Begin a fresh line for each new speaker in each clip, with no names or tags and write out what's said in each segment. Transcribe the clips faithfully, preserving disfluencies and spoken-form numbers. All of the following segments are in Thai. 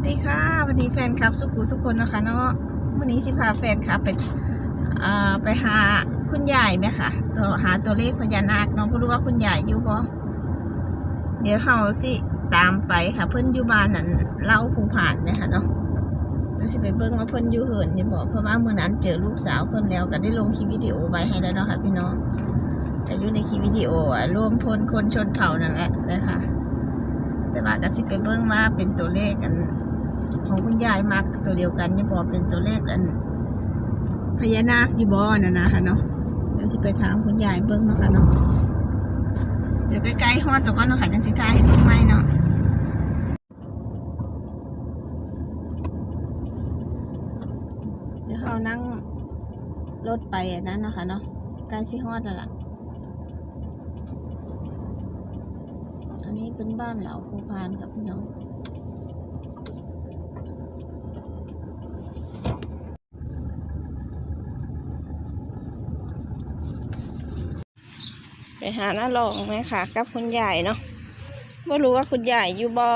ดีค่ะวันนี้แฟนคลับสุขุสุขคนนะคะเนาะวันนี้สิพาแฟนคลับไปอ่าไปหาคุณยายไหมค่ะตัวหาตัวเลขพญานาคน้องก็รู้ว่าคุณยายอยู่บ่เดี๋ยวเขาสิตามไปค่ะเพิ่นอยู่บ้านนั่นเล่าภูผ่านไหมค่ะเนาะเราสิไปเบิ่งว่าเพิ่นอยู่เหินอยู่บ่เพราะว่ามื้อนั้นเจอลูกสาวเพิ่นแล้วก็ได้ลงคลิปวิดีโอไว้ให้แล้วเนาะค่ะพี่น้องแต่อยู่ในคลิปวิดีโออ่ะรวมพลคนชนเผ่านั่นแหละนะคะแต่ว่าก็สิไปเบิ่งว่าเป็นตัวเลขกันของคุณยายมักตัวเดียวกันนี่บ่เป็นตัวเลขกันพญานาคอยู่บ่นั่นนะคะเนาะเดี๋ยวสิไปถามคุณยายเบิ่งเนาะค่ะเนาะเดี๋ยวใกล้ๆฮอดจักก่อนเนาะค่ะจังสิถ่ายให้เบิ่งใหม่เนาะเดี๋ยวเขานั่งรถไปนั้นนะคะเนาะใกล้สิฮอดแล้วล่ะอันนี้เป็นบ้านเหล่าภูพานครับพี่น้องไปหาหน้าลองไหมค่ะกับคุณยายเนาะไม่รู้ว่าคุณยายอยู่บ่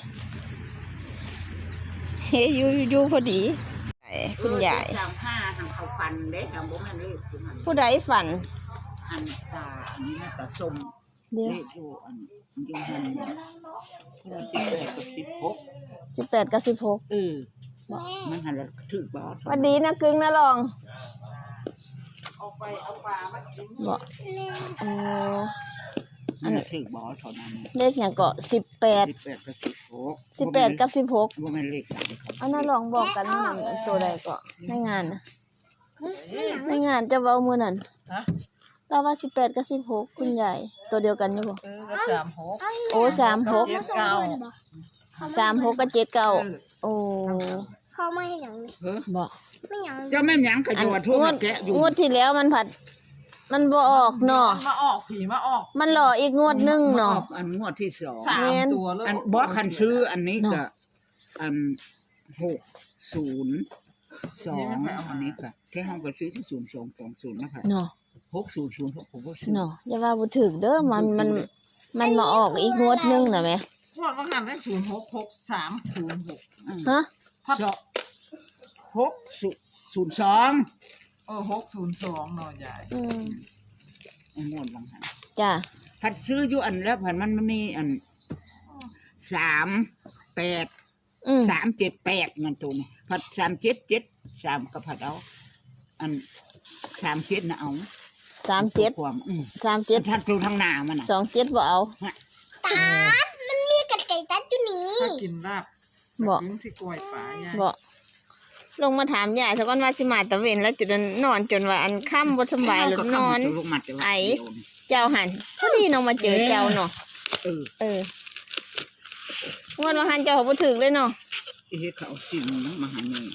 เฮ้ยอยู่อยู่พอดีคุณยาย
สามห้าทางเขาฟันเด้ทางบ่มันเลข
ผู้ใดฝัน
อันตาอันนี้น่าตาส้มเลขอยู่อันอยู่หันสิบแปดกับสิบหก
สิบแปดกับสิบหก
เออมันหันแล้วถือบ่
วันดีนะกึ่งนะลอง
เอาไปเอาปลามากิน
บ่โอ้
อันนี้ถือบ่เท่านั้น
เลขอย่างเกาะสิบแปด
สิบแปดกับสิบหก
สิบแปดกับสิบหก
บ่แม่นเลขหลัง
อันนั้นลองบอกกันตัวใดเกาะในงานนะในงานจะเว้ามื้อนั้นเราว่าสิบแปดกับสิบหกคุณยายตัวเดียวกันอยู่บ่
เออก็สามหก
โอ้สามหกสามหกกับเจ็ดเก้าโอ้
เขาไม่ให้หยังเลย
บ่
ไม่หยัง
เจ้าแม่หยังก็อยู่ว่าทั่วแกะอยู่
งวดที่แล้วมันผัดมันบ่ออกเนาะ
มาออกผีมาออก
มันหล่ออีกงวดนึงเนาะ
อันงวดที่สอง
สามตัวเลย
อันบ่คันซื้ออันนี้ก็อันหกศูนย์สองอันนี้ก็แค่ห้องก็ซื้อที่ศูนย์สองสองศูนย์นะคะ
เนาะ
หกศูนย์ศูนย์หกผมก็ซื้อ
เนาะอย่าว่าบ่ถึกเด้อมันมันมันมาออกอีกงวดนึงน่ะแม่
พวกก็หันได้ศูนย์หกหกสามศูนย์หก
ฮะ
หกศูนย์สอง
เออหกศูนย์สองหน่อยใหญ่
อืม
ไอ้งวดบางหัน
จ้ะ
ผัดซื้ออยู่อันแล้วผัดมันมีอันสามแปดสามเจ็ดแปดเงินตัวนี้ผัดสามเจ็ดเจ็ดสามก็ผัดเอาอันสามเจ็ดนะเอา
สามเจ็ด
ความ
สามเจ็ด
ทัดตัวทางหน้ามัน
สองเจ็ดบ่เอา
ตัดมันมีกระไก่ตัดอยู่นี่
ถ้ากินลาบ
บ่
กินสิกล้วยป่ายาย
บ่ลงมาถามยายสักวันว่าสิมาตะเวนแล้วจุดนอนจนว่าอันค่ำบ่สบายหรือนอนไอเจ้าหันพอดีน้องมาเจอเจ้าเนาะ
เออ
เออวันวันหันเจ้าบ่ถึกเลยเนาะ
เฮ้เขาสิ่งนั้นมาหาเงิน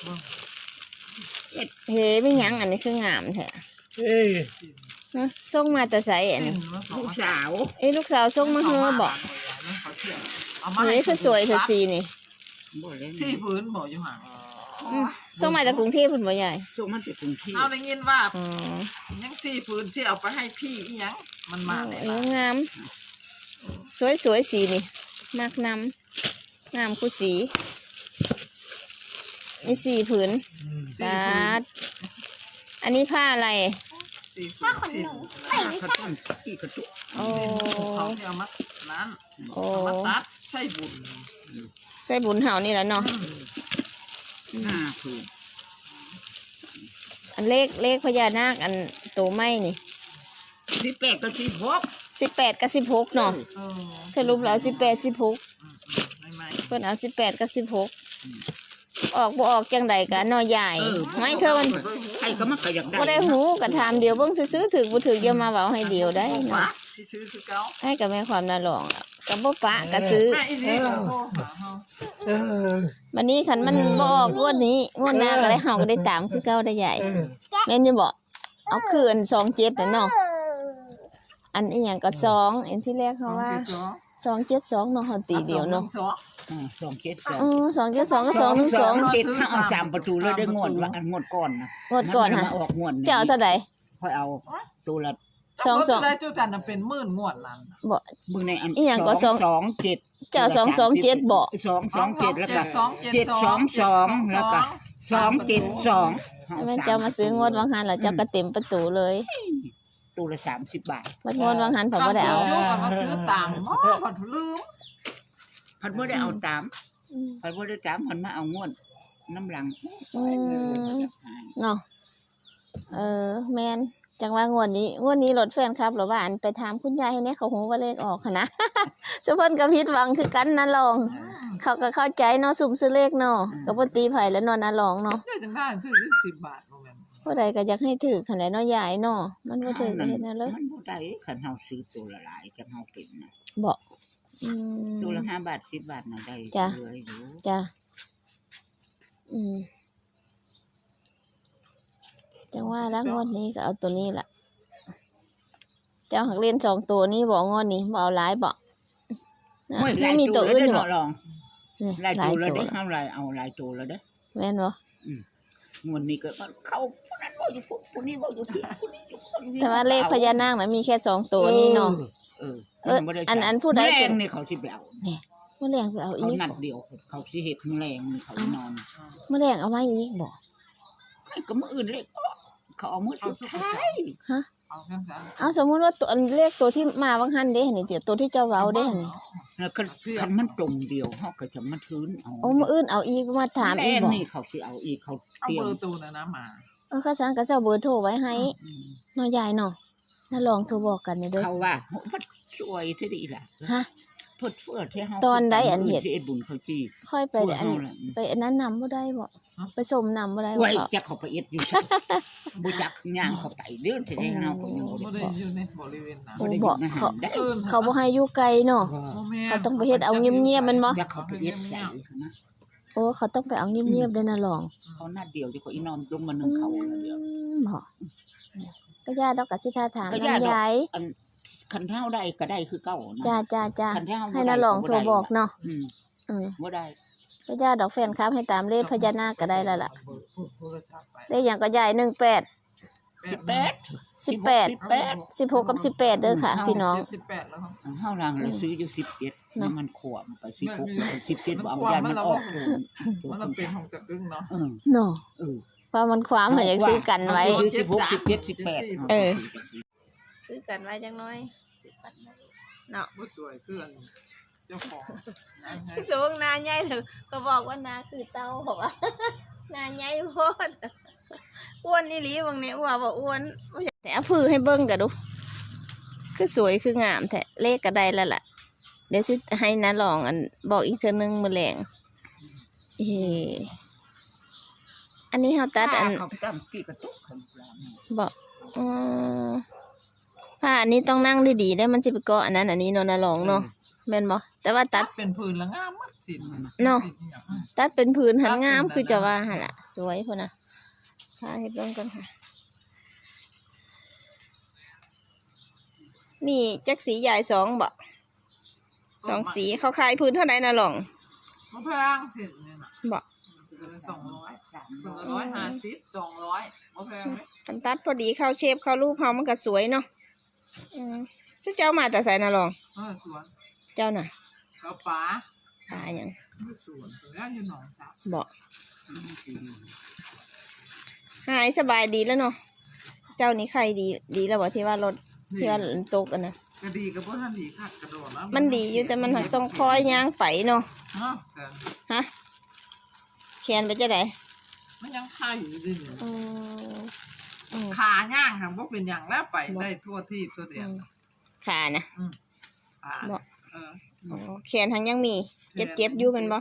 เฮ้ไม่ยั้งอันนี้คืองามแท้
เอ้ย
ส่งมาแต่ใส่อันนี้
ลูกสาว
เอ้ลูกสาวส่งมาเฮอบอกเฮ้คือสวยสัสีนี่
ที่พื้นบ่อยู่ห่าง
ส่งมาจากกรุงเทพพุ่นบ่ใหญ่
ส่งมาจากกรุงเทพ
เอาได้ยินว่ายังสี่พื้นที่เอาไปให้พี่อีหยังมันมา
เอองามสวยสวยสีนี่มากนำงามคู่สีนี่สี่ผืนบาทอันนี้ผ้าอะไร
ผ้าขนหนูเอ้ยไม่ใช่
โอ้
เขาที่เอามานั้นเอามาตัดใส่บุญ
ใส่บุญเห่านี่แหละเนาะ
ห้าผืน
อันเลขเลขพญานาคอันโตไม้นี่
สิบแปดกับสิบหก
สิบแปดกับสิบหกเนาะสรุปแล้วสิบแปดสิบหกเพิ่นเอาสิบแปดกับสิบหกออกบ่ออกจังใดกันน้อยใหญ่ไม่เธอมัน
ใครก็มักก็อยากได้
บ่ได้หูก็ถามเดียวเบิ่งซื้อๆถึกบ่ถึกอย่ามาเว้าให้เดียวได้เนาะ
ซื้อคือเก่า
ให้กับแม่ความน่าลองก็บ่ปะก็ซื้อวันนี้คันมันบ่ออกงวดนี้งวดหน้าก็ได้เฮาก็ได้ตามคือเก่าได้ใหญ่แม่นอยู่บ่เอาคืนสองเจ็ดน่ะเนาะอันอีหยังก็สองอันที่แรกเขาว่าสองเจ็ดสองเนาะเฮาตีเดียวเนาะ
สองเจ็ดสอง
อ๋อสองเจ็ดสองก็สองหนึ่งสอง
เจ็ดถ้าเอาสามประตูเลยได้งวดว่าอันงวดก่อนนะ
งวดก่อนฮะ
ออกงวด
เจ้าเท่าใด
ค่อยเอาตัวละ
สองสอง
ได้จุจันน่ะเป็นหมื่นงวดนั้น
บ่
มึงในอัน
อีหยังก็สอง
สองเจ็ด
เจ้าสองสองเจ็ดบ่
สองสองเจ็ดแล้วก็
สองเจ็ด
เจ็ดสองสองแล้วก็สองเจ็ดสอง
มันเจ้ามาซื้องวดวังหันแล้วเจ้าก็เต็มประตูเลย
ตัวละสามสิบบาท
มันงวดวังหันผมบ่ได้เอา
โยกกันมาซื้อต่างหม้อผัดลืม
พันบ่ได้เอาตามพันบ่ได้ตามพันมาเอางวดน้ำหลัง
อืมเนาะเออแม่นจังว่างวดนี้งวดนี้รถแฟนครับหรือว่าอันไปถามคุณยายให้แน่เขาฮู้ว่าเลขออกหั้นนะ ซุเพิ่นก็ผิดหวังคือกันนะลอง เขาก็เข้าใจเนาะสุ่มซื้อเลขเนาะก็บ่ตีไผแล้วเนาะนะลองเนาะ
ได้จังได้ซื้อได้สิบบาทโมเมนต์
ผู้ใดก็อยากให้ถือคันใดเนาะยายเนาะมันบ่ถือก็เฮ็ดนั่นเลย
มันบ่ได้คันเฮาซื้อตัวละหลายจังเฮาเป็นน่ะ
บ่อืม
ตัวละห้าบาทสิบบาทน่ะได้
จ้ะ
เหลืออยู่
จ้ะอืมจังว่าแล้วงวดนี้ก็เอาตัวนี้ล่ะ เจ้าหักเล่นสองตัวนี้บ่งวดนี้บ่เอาหลายบ่นะ
โอ้ยห
ไม่
ลาย
มี
ตั
ตัว ว
แล้ว
อื่น
เด้อ
บ่
เนาะลอง
นี่
หลาย
หลา
ตั
ยว
แล้ว
ตัว
เด้อเฮาหลายเอาหลายตัวแล้วเด้อ
แม่นบ่
งวดนี้ก็เข้าผู้นั้นบ่อยู่ผู้นี้บ่อยู่ที่ผู้นี้อยู่คนนี้
แต่ว่าเลขพญานาคน่ะมีแค่สองตัวนี้เนาะ
เออ
เออ
มับ่ได้
อันอันผู้ใดเป็น
แรงนี่เขาสิไปเอา
เมื่อแรงไปเอา
เขา
อีก
นัดเดียวเขาสิเฮ็ดแรงนี่เขานอน
เมื่อแรงเอามาอีกบ่
ให้ก็มื้ออื่นเลยเขาเอามื้อสุดท้าย
ฮะ
เอาแค่นั้น
เอาสมมุติว่าตัวอันเลขตัวที่มาบางหันเด้หั่นนี่เดี๋ยวตัวที่เจ้าเว้าเด้หั่นนี่
แล้วก็คันมันตรงเดียวเฮาก็จะมาทื้นเอา
โอ้มื้ออื่นเอาอีกมาถามอีก
แรง
บ่
นี่เขาสิเอาอีกเขา
เอา
เตรีย
เบ
ม
อร์ตูนะนะมา
เออข้าสังก็เจ้าเบอร์โทรไว้ให้
อืม
เนาะยายเนาะน่าลองโทรบอกกันเด้อ
เขาว่าโหมันสวยซะดีล่ะ
ฮะ
เพิ่นเฟื่อที่เฮา
ตอนใดอันเฮ็ด
ที่เอ็ดบุญเขาจี
ค่อยไป
เฟื่อ
อัน
เฮาล่ะ
ไปอันนั้นนำบ่ได้บ่ไปสมนำบ่ได้บ่
ไว้
เขา
จักเขาไปเอ็ดอยู่ซะบ่จักย่างเขาไปเด้อที่ได้เฮาก็ยังบ่
ไม่
ได้
ได้อยู่ในบริเวณนั้น
โอ้บ่เขา
ได้
เขาบ่ให้อยู่ไกลเนาะ เขาต้องไปเฮ็ดเอาเงียบๆแม่นบ่
จักเขาไปเอ็ดใส่นะ
โอ้เขาต้องไปเอาเงียบๆเด้อนะลอง
เขาหน้าเดียวจะเขาอีนอมลงมานึงเขาหน้าเดียว
อืมบ่ก็ญาติดอกก็สิท่าถาม
ก็
นำ
ญาติดอก
ยาย
อันคันเท่าได้ก็ได้คือเก่านะ
จ้าจ้าจ้า
คันเท่า
ให้นาลองโทรบอกเนาะ
อืม
อืม
บ่ได้
ก็ญาติดอกแฟนคลับให้ตามเลขพญานาคก็ได้แล้วล่ะ
โทรศัพท์ไป
เลขหยังก็ยายหนึ่งแปด
สิบแปด
สิบแปด
สิบแปด
สิบหกกับสิบแปดเด้อค่ะ พี่น้อง
สิบแปดแล้วครับ
เฮาลังเลยซื้ออยู่สิบเจ็ด
เนาะ
มันขวมไปสิบหกสิบเจ็ดบ่เอา
มันขวม
ยาน
มั
มัน น
ละ
ออก
มันเป็นของตะกึ่งเนาะ
เออ
เนาะ
เออ
เพราะมันความหาอยากซื้อกันไว้
ซื้อสิบหกสิบเจ็ดสิบแปด
เออ ซื้อกันไว้จังน้อยเนาะ
บ่สวยเพื่อนเจ้าของนะไง
สูงนาใหญ่เลยก็บอกว่านาคือเต้าบอกว่า นาใหญ่โพดอ้วนนี่หลีบางเนี่ยอ้วนบ่อ้วนบ่ใช่แต่เอาผือให้เบิ่งกันดูคือสวยคืองามแท้เลขก็ได้แล้วล่ะ เดี๋ยวสิให้นาลองอันบอกอีกเทื่อนึงมื้อแลงเอออันนี้เฮาตัดอัน
เขาตั้งกี่กระตุกเขาปลา
บอกอ๋อผ้าอันนี้ต้องนั่งดีๆได้มันสิไปเกาะอันนั้นอันนี้เนาะนาลองเนาะแม่นบ่แต่ว่าตัด
เป็นพื้นละงามมัดสิ
เนาะ ตัดเป็นผืนหันงามคือจะว่าหั่นล่ะสวยพุ่นน่ะถ่ายให้เบิ่งก่อนค่ะ มีจักสีใหญ่สองบ่สองสีเขาขายพื้นเท่าไหร่นะหลอง
มะพร้างสิเนี่ยนะ
บ่
เป็นสองร้อยเป็นร้อยห้าสิบสองร้อยมะพร้างไหม
มันตัดพอดีเข้าเชฟเข้ารูปเฮามันก็สวยเนาะอืมชื่อเจ้ามาแต่ไสนะหลอง
เออสวน
เจ้าน่ะ
เขาป๋า
ตายหยัง
ไม่สวนถึงแล้วอยู่หนองสาว
บ่หายสบายดีแล้วเนาะเจ้านี่ใครดีดีแล้วบ่ที่ว่ารถที่ว่าตกอันน่ะ
ก็ดีกับพวกท่านดีค่ะกระโดดแล้ว
มันดีอยู่แต่มันหักต้องคอยย่างไปเนาะ
เนาะแต่
ฮะเขียนไปจะไหน
มันยังคาอยู่ดีๆ
อืมอืม
ขาย่างค่ะว่าเป็นอย่างแล้วไปได้ทั่วที่ทั่วเดียว
ขานะ
ขา
บ่
เออ
อ๋อเขียนทั้งยังมี เจ็บเจ็บๆอยู่แมันบ่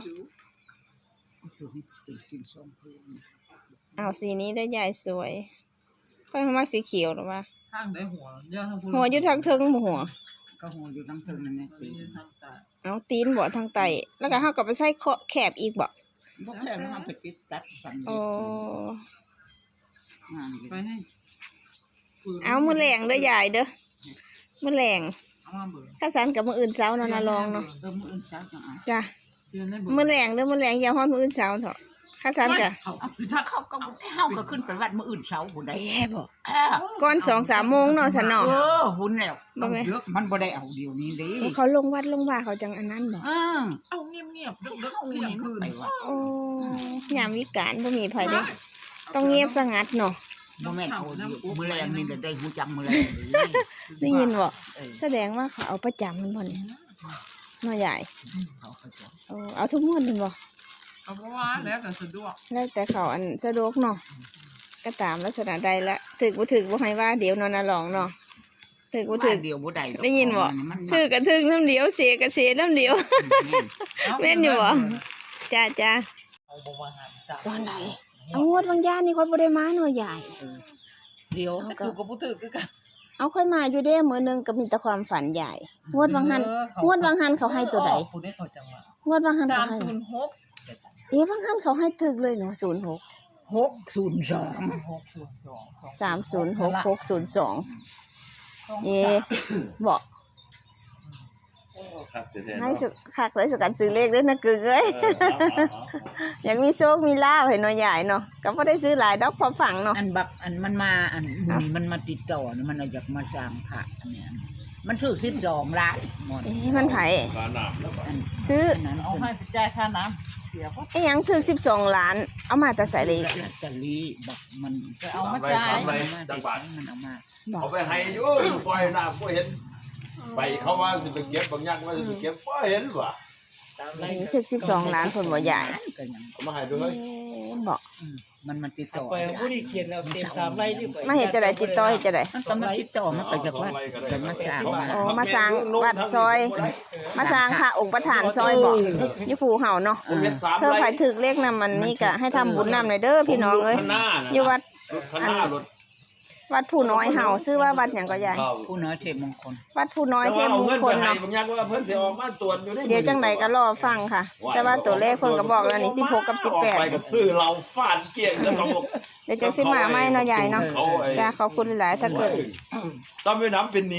เอาสีนี้ได้ใหญ่สวยค่อยมักสีเขียวหรือว่า
ข้างได้หัวเยอะทั้งพู
หัวอยู่ทางเทิงบ่หัว
ก็หัวอยู่ทั้งเทิงนั่นแหละตี
ทางตา
เอาตีนบ่ทางไตแล้วก็เฮาก็ไปใส่เคาะแคบอีกบ่
บ่แค่ทำไปติดตัดสั่ง
โอ้
งาน
ไปให้
เอามื้อแรงเด้อยายเด้อมื้อแรง
เอามาเบิ่ง
ถ้าสันกับมื้ออื่นเช้าเนาะนะลองเนาะ
เออมื้ออื่นเช้าจังเอา
จ้ะ
เดือนได้เบิ่ง
มื้อแรงเด้อมื้อแรงอย่าฮ้อนมื้ออื่นเช้าเถอะคข้าซันกะ
เขาคือถ้า
เขาก็เฮาก็ขึ้นไปวัดมื้ออื่นเช้าพุ่นได้
เอ๊ะบ่
เออ
ก่อนสองสามโมงเนาะสันเนาะ
เออหุ่นแล้ว
บ่แม่
เอาเยอะมันบ่ได้เอาเดี๋ยวนี้เดิ
เขาลงวัดลงว่าเขาจังอันนั้นบ่
เออ
เอาเงียบๆดึกๆเที่ยงคืน
ไปวัด
โอ้ยามวิกาลบ่มีไผเด้ต้องเงียบสงัดเนาะ
บ่แม่นเอาเดี๋ยวมื้อแรงนี่ได้ฮู้จักมื้อแรง
ได้ยินบ่
เออ
แสดงว่าเขาเอาประจำมันบ่เนี่ยน้อยใหญ่
เขาเขาจะ
โอ้เอาทุกงวดมันบ่
เอาเพราะว่าแล้วแต่สะดวก
แล้วแต่เขาอันสะดวกเนาะก็ตามลักษณะใดละถึกบ่ถึกบ่ให้ว่าเดี๋ยวนอนน่ะลองเนาะถึกบ่ถึ
ว่าก เดียวบ่ได้ดอก
ได้ยินบ่
มัน
ถึกก็ถึกน้ำเดียวเสียก็เสียน้ำเดียว แม่นอยู่บ่จ้าจ้า
เอาบ่ว่าหาจ้า
ตอนไหนเอางวดบางย่านนี่ค่อยบ่ได้มาหน่อยใหญ่
เดียว
เอาก็
ถูกกับผู้ถือคือกัน
เอาค่อยมาอยู่เด้มื้อหนึงก็มีแต่ความฝันใหญ่งวดบางหันงวดบางหันเขาให้ตัวใด
ผู้ได้เขาจังหวะ
งวดบางหัน
สา
เขา
ม
ให้
ศูนย์หก
เอ๊ะบางหันเขาให้ถึกเลยเนาะศูนย์หก
หกศูนย์สอง
หกศูนย์สอง
สามศูนย์หกหกศูนย์สองเอ๊ะบอก
ครับแท้ๆ
ให้
เนาะ
สุคักเลยสุกันซื้อเลขด้วยนะกึ่งเอ้ย
เออเอาเอาเอา
อยากมีโชคมีลาภให้น้อยใหญ่เนาะก็บ่ได้ซื้อหลายดอกพอฝังเนาะ
อันบักอันมันมาอันมื้อนี้มันมาติดต่อนี่มันอยากมาสร้างพระอันเนี้ยมันถูกสิบสองล้านหมด
เอ๊ะมันไผ
การน้ำแล้วก็
อัน
ซื้อ
อันนั้น
เอาให้ไปจ่ายค่าน้ำเสียบ่
ไอ้หยังถึงสิบสองล้าน เอามาแต่ใส่เลย
ลอตเตอรี่บักมัน
จะเอามาจ่าย
ไป
มันมาติดมันเอามา
บอก
เอาไปให้อยู่ปล่อยน้ำก็เห็นไปเขาว่าสิไปเก็บบางอย่างว่าสิไปเก็บก็เห็นว่ะ
เอ๊ะถึงสิบสองล้านคนบ่ใหญ่
ก็ยัง
เอามาให้ด้ว
เอ๊
ย
ะบอก
อืมมันมาติดต่อ
ไปผู้ที่เขียนแล้วเต็มสามไร่ที่
มาเฮ็ดจะได้ติดต่อเฮ็ดจะได้
มันก็มาติดต่อมันก็จะว่าจะมาสร้างมา
อ๋อมาสร้างวัดซอย มาสร้างพระองค์ประธานซอยบอกอยู่ภูเฮาเนาะ
ผมเห็นสาม
เธอไผถึกเลขนำมันนี่ก็ให้ทำบุญนำหน่อยเด้อพี่น้องเอ้ย
ข้างหน้าน่ะ
อยู่วัด
รถข้างหน้ารถ
วัดผู้น้อยเฮาชื่อว่าวัดหยังก็ยาย
เข้า
ผู้น้อยเทพมงคล
วัดผู้น้อย
แต่
เท
ว่า
พ
เอา
มง
เงิน
ค
ไป
ล
ให้
เนาะ
บางอย่างว่าเพิ่นสิออกมาตรวจอยู่
เดี๋ยวจังไดก็รอฟังค่ะ แต่ว่าตัวเลขเพิ่นก็บอกแล้วนี่สิบหกกับสิบแปด
ออกไปกับซื้อเราฟาดเกลี้ยงแล้วก็บอก
เดี๋ยวจังสิมาใหม่เนาะยายเนาะ
เขาไอ้
จ้าขอบคุณหลายๆถ้าเกิด
ต้องไปน้ำเป็นหนี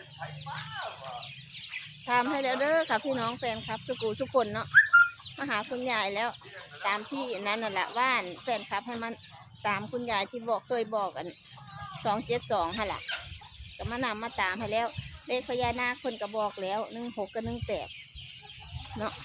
ถามให้แล้วเด้อค่ะพี่น้องแฟนครับสุกูสุกคนเนาะมาหาคุณยายแล้ว ตามที่นั้นน่ะแหละว่านแฟนครับให้มันตามคุณยายที่บอกเคยบอกกันสองเจ็ดสองฮะล่ะก็มานำมาตามให้แล้ว เลขพญานาคคนก็บอกแล้วหนึ่งหกกับหนึ่งแปดเนาะ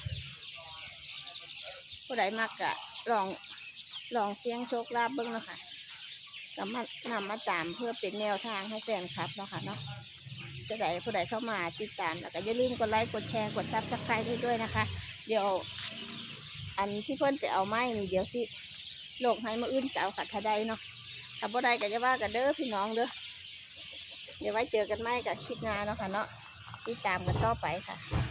ผู้ใดมากกะลองลองเสี่ยงโชคลาภเบิ้งเนาะค่ะก็มานำมาตามเพื่อเป็นแนวทางให้แฟนครับเนาะค่ะเนาะ จะได้ผู้ใดเข้ามาติดตามแล้วก็อย่าลืมกดไลค์กดแชร์กดซับสไครต์ให้ด้วยนะคะ เดี๋ยวอันที่เพิ่นไปเอาไม้นี่เดี๋ยวสิโลกให้มาอื่นสาวขัดทะได้เนาะถ้าบ่ได้ก็จะว่ากันเด้อพี่น้องเด้อเดี๋ยวไว้เจอกันใหม่กับคลิปหน้าเนาะค่ะเนาะติดตามกันต่อไปค่ะ